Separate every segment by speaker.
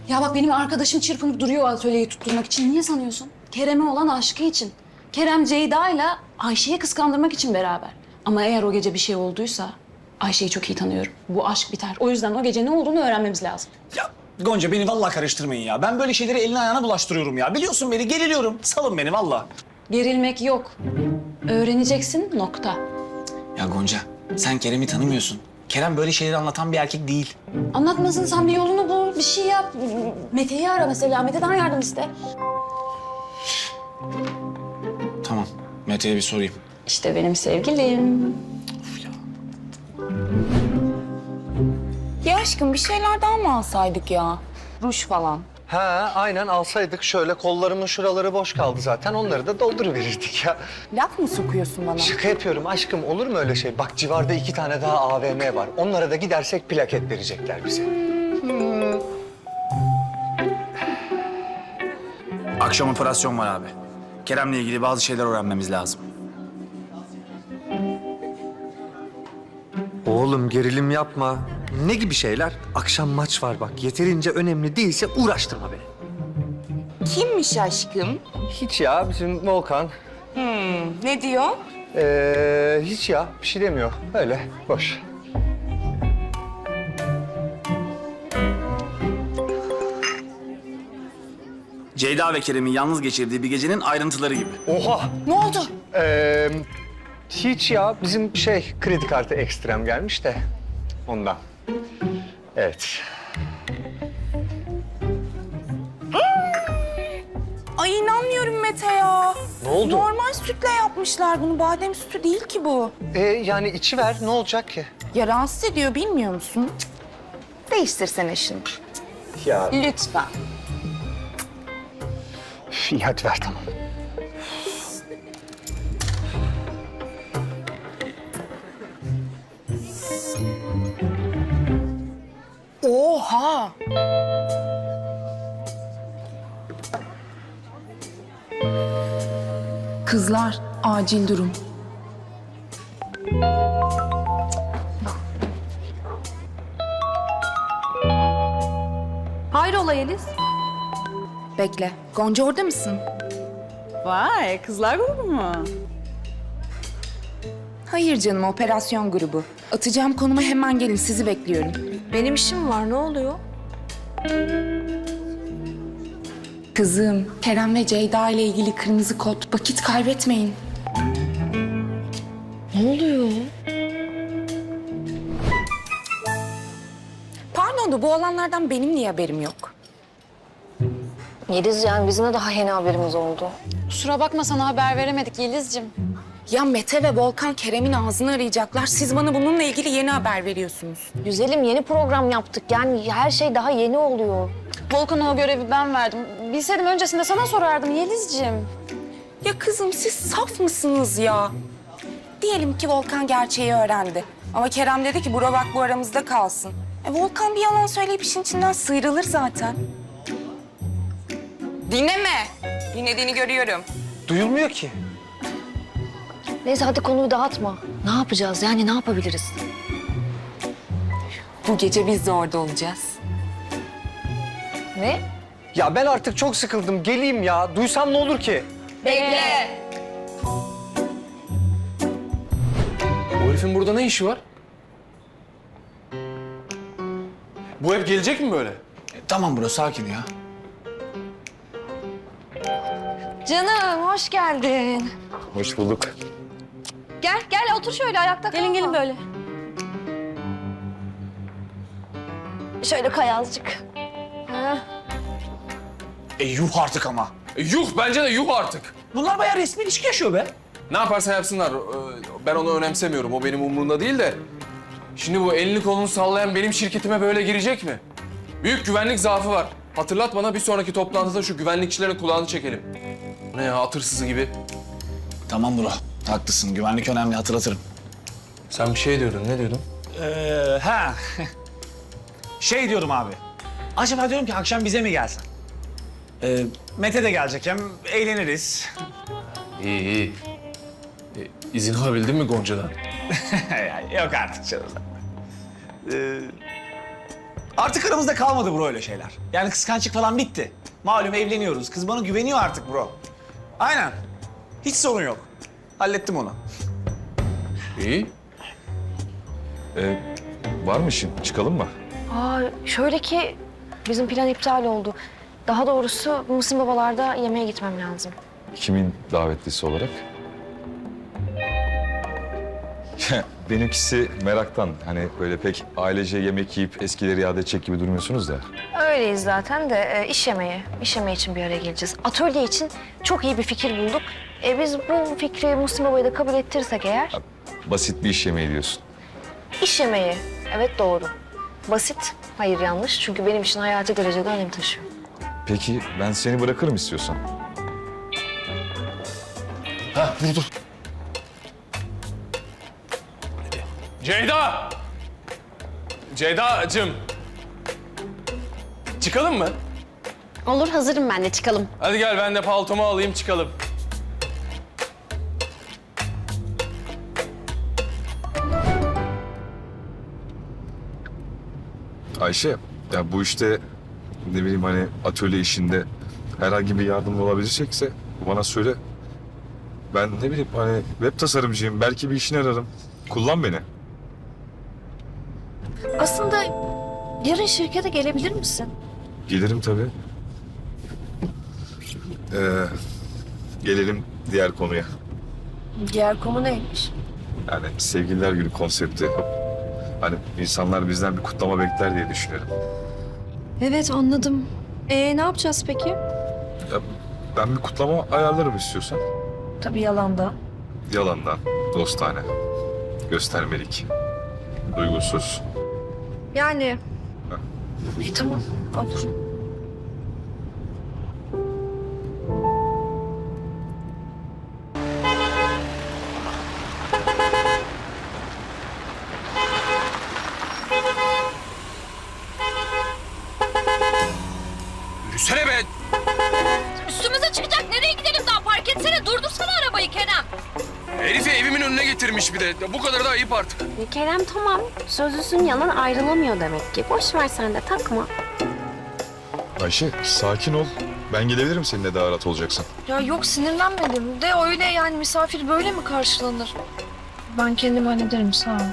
Speaker 1: Ya bak benim arkadaşım çırpınıp duruyor atölyeyi tutturmak için. Niye sanıyorsun? Kerem'e olan aşkı için. Kerem Ceyda'yla Ayşe'yi kıskandırmak için beraber. Ama eğer o gece bir şey olduysa Ayşe'yi çok iyi tanıyorum. Bu aşk biter. O yüzden o gece ne olduğunu öğrenmemiz lazım.
Speaker 2: Ya Gonca beni vallahi karıştırmayın ya. Ben böyle şeyleri eline ayağına bulaştırıyorum ya. Biliyorsun beni, geriliyorum. Salın beni vallahi.
Speaker 1: Gerilmek yok. Öğreneceksin nokta.
Speaker 2: Ya Gonca, sen Kerem'i tanımıyorsun. Kerem böyle şeyleri anlatan bir erkek değil.
Speaker 1: Anlatmasın, sen bir yolunu bul, bir şey yap. Mete'yi ara mesela, Mete'den yardım iste.
Speaker 2: Tamam, Mete'ye bir sorayım.
Speaker 1: İşte benim sevgilim.
Speaker 3: Ya aşkım bir şeyler daha mı alsaydık ya? Ruj falan.
Speaker 4: Ha, aynen alsaydık şöyle kollarımın şuraları boş kaldı zaten. Onları da dolduruverirdik ya.
Speaker 3: Laf mı sokuyorsun bana?
Speaker 4: Şaka yapıyorum aşkım, olur mu öyle şey? Bak civarda 2 tane daha AVM var. Onlara da gidersek plaket verecekler bize.
Speaker 2: Akşam operasyon var abi. Kerem'le ilgili bazı şeyler öğrenmemiz lazım.
Speaker 4: Oğlum gerilim yapma. Ne gibi şeyler? Akşam maç var bak. Yeterince önemli değilse uğraştırma beni.
Speaker 3: Kimmiş aşkım?
Speaker 4: Hiç ya, bizim Volkan.
Speaker 3: Ne diyor?
Speaker 4: Hiç ya, bir şey demiyor. Öyle, boş.
Speaker 2: Ceyda ve Kerem'in yalnız geçirdiği bir gecenin ayrıntıları gibi.
Speaker 4: Oha!
Speaker 3: Ne oldu?
Speaker 4: Hiç ya, bizim kredi kartı ekstrem gelmiş de ondan. Evet.
Speaker 3: Ay inanmıyorum Mete ya.
Speaker 4: Ne oldu?
Speaker 3: Normal sütle yapmışlar bunu. Badem sütü değil ki bu.
Speaker 4: Yani içi ver, ne olacak ki?
Speaker 3: Ya rahatsız ediyor bilmiyor musun? Cık. Değiştirsene şunu.
Speaker 4: Ya
Speaker 3: Lütfen.
Speaker 4: iyi hadi ver tamam.
Speaker 3: Oha! Kızlar, acil durum.
Speaker 1: Hayrola Yeliz?
Speaker 3: Bekle. Gonca orada mısın?
Speaker 5: Vay, kızlar grubu mu?
Speaker 3: Hayır canım, operasyon grubu. Atacağım konuma hemen gelin, sizi bekliyorum.
Speaker 1: Benim işim var, ne oluyor?
Speaker 3: Kızım, Kerem ve Ceyda ile ilgili kırmızı kod. Vakit kaybetmeyin.
Speaker 1: Ne oluyor?
Speaker 3: Pardon da bu olanlardan benim niye haberim yok?
Speaker 6: Yeliz yani bizim de daha yeni haberimiz oldu.
Speaker 1: Kusura bakma, sana haber veremedik Yeliz'cim.
Speaker 3: Ya Mete ve Volkan Kerem'in ağzını arayacaklar. Siz bana bununla ilgili yeni haber veriyorsunuz.
Speaker 6: Güzelim yeni program yaptık yani her şey daha yeni oluyor.
Speaker 1: Volkan'a o görevi ben verdim. Bilseydim öncesinde sana sorardım Yeliz'cim.
Speaker 3: Ya kızım siz saf mısınız ya? Diyelim ki Volkan gerçeği öğrendi. Ama Kerem dedi ki bura bak bu aramızda kalsın. Volkan bir yalan söyleyip işin içinden sıyrılır zaten. Dinleme. Dinlediğini görüyorum.
Speaker 4: Duyulmuyor ki.
Speaker 6: Neyse hadi konuyu dağıtma. Ne yapacağız yani ne yapabiliriz?
Speaker 3: Bu gece biz de orada olacağız.
Speaker 6: Ne?
Speaker 4: Ya ben artık çok sıkıldım. Geleyim ya. Duysam ne olur ki?
Speaker 3: Bekle.
Speaker 7: Bu herifin burada ne işi var? Bu hep gelecek mi böyle?
Speaker 2: Tamam bro, sakin ya.
Speaker 6: Canım hoş geldin.
Speaker 4: Hoş bulduk.
Speaker 6: Gel gel otur şöyle ayakta kalma.
Speaker 1: Gelin böyle.
Speaker 6: Şöyle kay azıcık. Ha.
Speaker 2: Yuh artık ama.
Speaker 7: Yuh bence de yuh artık.
Speaker 2: Bunlar bayağı resmi ilişki yaşıyor be.
Speaker 7: Ne yaparsa yapsınlar. Ben onu önemsemiyorum. O benim umurumda değil de. Şimdi bu elini kolunu sallayan benim şirketime böyle girecek mi? Büyük güvenlik zaafı var. Hatırlat bana bir sonraki toplantıda şu güvenlikçilerin kulağını çekelim. Ne ya at hırsızı gibi.
Speaker 2: Tamam bro, haklısın. Güvenlik önemli, hatırlatırım.
Speaker 7: Sen bir şey diyordun. Ne diyordun?
Speaker 2: Ha. Şey diyorum abi. Acaba diyorum ki akşam bize mi gelsen? Mete de gelecek, hem eğleniriz.
Speaker 7: İyi iyi. İzin alabildin mi Gonca'dan?
Speaker 2: Yok artık canım. Artık aramızda kalmadı bro öyle şeyler. Yani kıskançlık falan bitti. Malum evleniyoruz. Kız bana güveniyor artık bro. Aynen. Hiç sorun yok. Hallettim onu.
Speaker 8: İyi. Var mı işin? Çıkalım mı?
Speaker 6: Aa, şöyle ki bizim plan iptal oldu. Daha doğrusu Muhsin babalarda yemeğe gitmem lazım.
Speaker 8: Kimin davetlisi olarak? Benimkisi meraktan. Hani böyle pek ailece yemek yiyip eskileri yad edecek gibi durmuyorsunuz da.
Speaker 6: Öyleyiz zaten de iş yemeği. İş yemeği için bir araya geleceğiz. Atölye için çok iyi bir fikir bulduk. Biz bu fikri Muhsin babaya da kabul ettirirsek eğer...
Speaker 8: Basit bir iş yemeği diyorsun.
Speaker 6: İş yemeği. Evet doğru. Basit. Hayır yanlış. Çünkü benim için hayati derecede önem taşıyor.
Speaker 8: Peki ben seni bırakırım istiyorsan. Dur.
Speaker 7: Ceyda! Ceyda'cığım. Çıkalım mı?
Speaker 1: Olur, hazırım ben de, çıkalım.
Speaker 7: Hadi gel ben de paltomu alayım çıkalım.
Speaker 8: Ayşe, ya bu işte ne bileyim hani atölye işinde herhangi bir yardım olabilecekse bana söyle. Ben ne bileyim hani web tasarımcıyım. Belki bir işine ararım. Kullan beni.
Speaker 6: Aslında yarın şirkete gelebilir misin?
Speaker 8: Gelirim tabii. Gelelim diğer konuya.
Speaker 6: Diğer konu neymiş?
Speaker 8: Yani Sevgililer Günü konsepti. Hani insanlar bizden bir kutlama bekler diye düşünüyorum.
Speaker 6: Evet anladım. Ne yapacağız peki?
Speaker 8: Ya ben bir kutlama ayarlarım istiyorsan.
Speaker 6: Tabii yalanda.
Speaker 8: Yalandan, dostane, göstermelik, duygusuz.
Speaker 6: Yani. İyi tamam olur.
Speaker 7: Yürüsene be!
Speaker 9: Üstümüze çıkacak. Nereye gidelim daha? Park etsene. Durdursana arabayı Kerem.
Speaker 7: Herifi evimin önüne getirmiş bir de. Ya bu kadar da ayıp artık.
Speaker 9: Kerem tamam. Sözlüsün yalan ayrılamıyor demek ki. Boş ver sen de takma.
Speaker 8: Ayşe, sakin ol. Ben gelebilirim seninle daha rahat olacaksın.
Speaker 6: Ya yok sinirlenmedim de öyle yani misafir böyle mi karşılanır? Ben kendim hallederim sağ ol.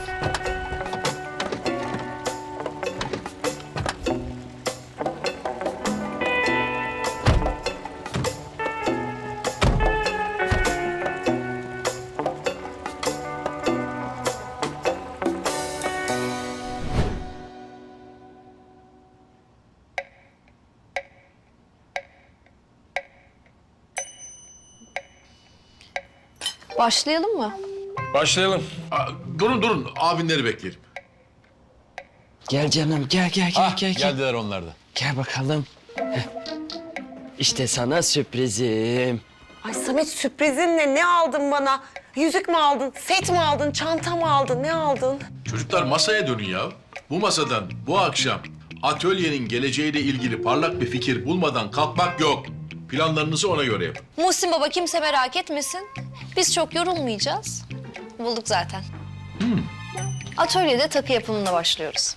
Speaker 6: Başlayalım mı?
Speaker 7: Başlayalım.
Speaker 10: Durun abinleri bekleyelim.
Speaker 11: Gel canım gel.
Speaker 10: Geldiler onlar da.
Speaker 11: Gel bakalım. Heh. İşte sana sürprizim.
Speaker 3: Ay Samet sürprizin ne? Ne aldın bana? Yüzük mü aldın? Set mi aldın? Çanta mı aldın? Ne aldın?
Speaker 10: Çocuklar masaya dönün ya. Bu masadan bu akşam atölyenin geleceğiyle ilgili parlak bir fikir bulmadan kalkmak yok. Planlarınızı ona göre yapın.
Speaker 9: Muhsin baba kimse merak etmesin. Biz çok yorulmayacağız. Bulduk zaten. Atölyede takı yapımına başlıyoruz.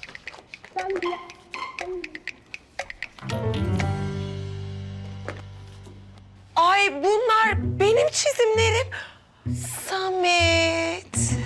Speaker 3: Ay bunlar benim çizimlerim. Samet.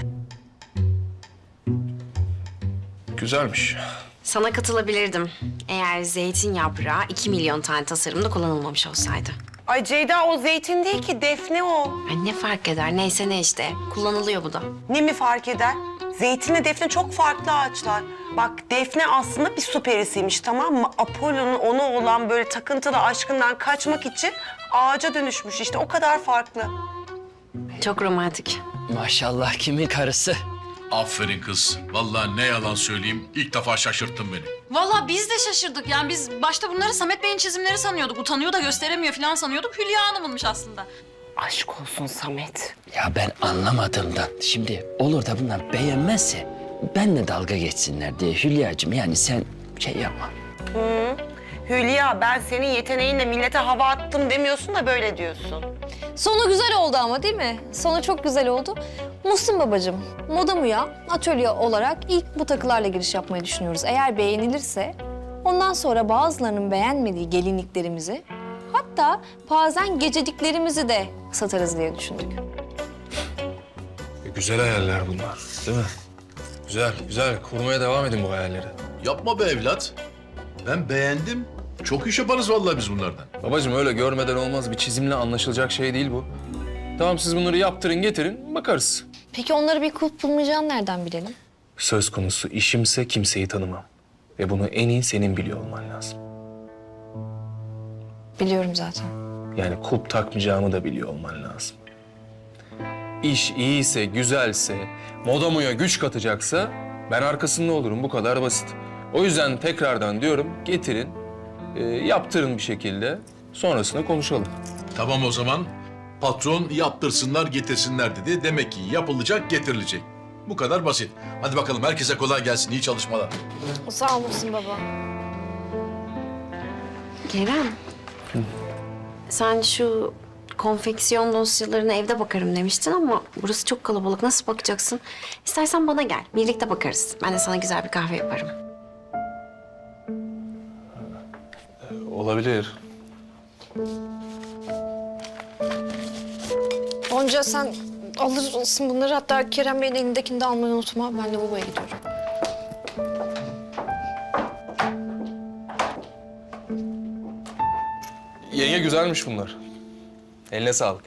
Speaker 7: Güzelmiş.
Speaker 12: Sana katılabilirdim. Eğer zeytin yaprağı 2 milyon tane tasarımda kullanılmamış olsaydı.
Speaker 3: Ay Ceyda o zeytin değil ki Defne o.
Speaker 12: Ay ne fark eder? Neyse ne işte. Kullanılıyor bu da.
Speaker 3: Ne mi fark eder? Zeytinle Defne çok farklı ağaçlar. Bak Defne aslında bir su perisiymiş tamam mı? Apollo'nun ona olan böyle takıntılı aşkından kaçmak için ağaca dönüşmüş işte o kadar farklı.
Speaker 12: Çok romantik.
Speaker 11: Maşallah kimin karısı?
Speaker 10: Aferin kız. Vallahi ne yalan söyleyeyim ilk defa şaşırttın beni.
Speaker 1: Vallahi biz de şaşırdık. Yani biz başta bunları Samet Bey'in çizimleri sanıyorduk. Utanıyor da gösteremiyor falan sanıyorduk. Hülya Hanım'ınmış aslında.
Speaker 3: Aşk olsun Samet.
Speaker 11: Ya ben anlamadığımdan. Şimdi olur da bunlar beğenmezse benle dalga geçsinler diye Hülya'cığım yani sen şey yapma.
Speaker 3: Hülya ben senin yeteneğinle millete hava attım demiyorsun da böyle diyorsun.
Speaker 9: Sonu güzel oldu ama değil mi? Sonu çok güzel oldu. Muhsin babacığım, Moda Muya atölye olarak ilk bu takılarla giriş yapmayı düşünüyoruz. Eğer beğenilirse Ondan sonra bazılarının beğenmediği gelinliklerimizi, hatta bazen gecediklerimizi de satarız diye düşündük.
Speaker 7: Güzel hayaller bunlar, değil mi? Güzel, güzel. Kurmaya devam edin bu hayalleri.
Speaker 10: Yapma be evlat. Ben beğendim. Çok iş yaparız vallahi biz bunlardan.
Speaker 7: Babacığım öyle görmeden olmaz. Bir çizimle anlaşılacak şey değil bu. Tamam siz bunları yaptırın, getirin, bakarız.
Speaker 9: Peki onları bir kulp bulmayacağını nereden bilelim?
Speaker 7: Söz konusu işimse kimseyi tanımam. Ve bunu en iyi senin biliyor olman lazım.
Speaker 9: Biliyorum zaten.
Speaker 7: Yani kulp takmayacağımı da biliyor olman lazım. İş iyiyse, güzelse, modamuya güç katacaksa ben arkasında olurum. Bu kadar basit. O yüzden tekrardan diyorum getirin, yaptırın bir şekilde. Sonrasında konuşalım.
Speaker 10: Tamam o zaman. Patron yaptırsınlar getirsinler dedi. Demek ki yapılacak getirilecek. Bu kadar basit. Hadi bakalım herkese kolay gelsin. İyi çalışmalar.
Speaker 9: Sağ olasın baba.
Speaker 12: Kerem. Sen şu konfeksiyon dosyalarına evde bakarım demiştin ama burası çok kalabalık. Nasıl bakacaksın? İstersen bana gel. Birlikte bakarız. Ben de sana güzel bir kahve yaparım.
Speaker 7: Olabilir.
Speaker 9: Gonca sen alırsın bunları. Hatta Kerem Bey'in elindekini de almayı unutma. Ben de babaya gidiyorum.
Speaker 7: Yenge güzelmiş bunlar. Eline sağlık.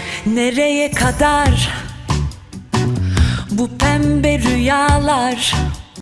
Speaker 5: Nereye kadar bu pembe rüyalar?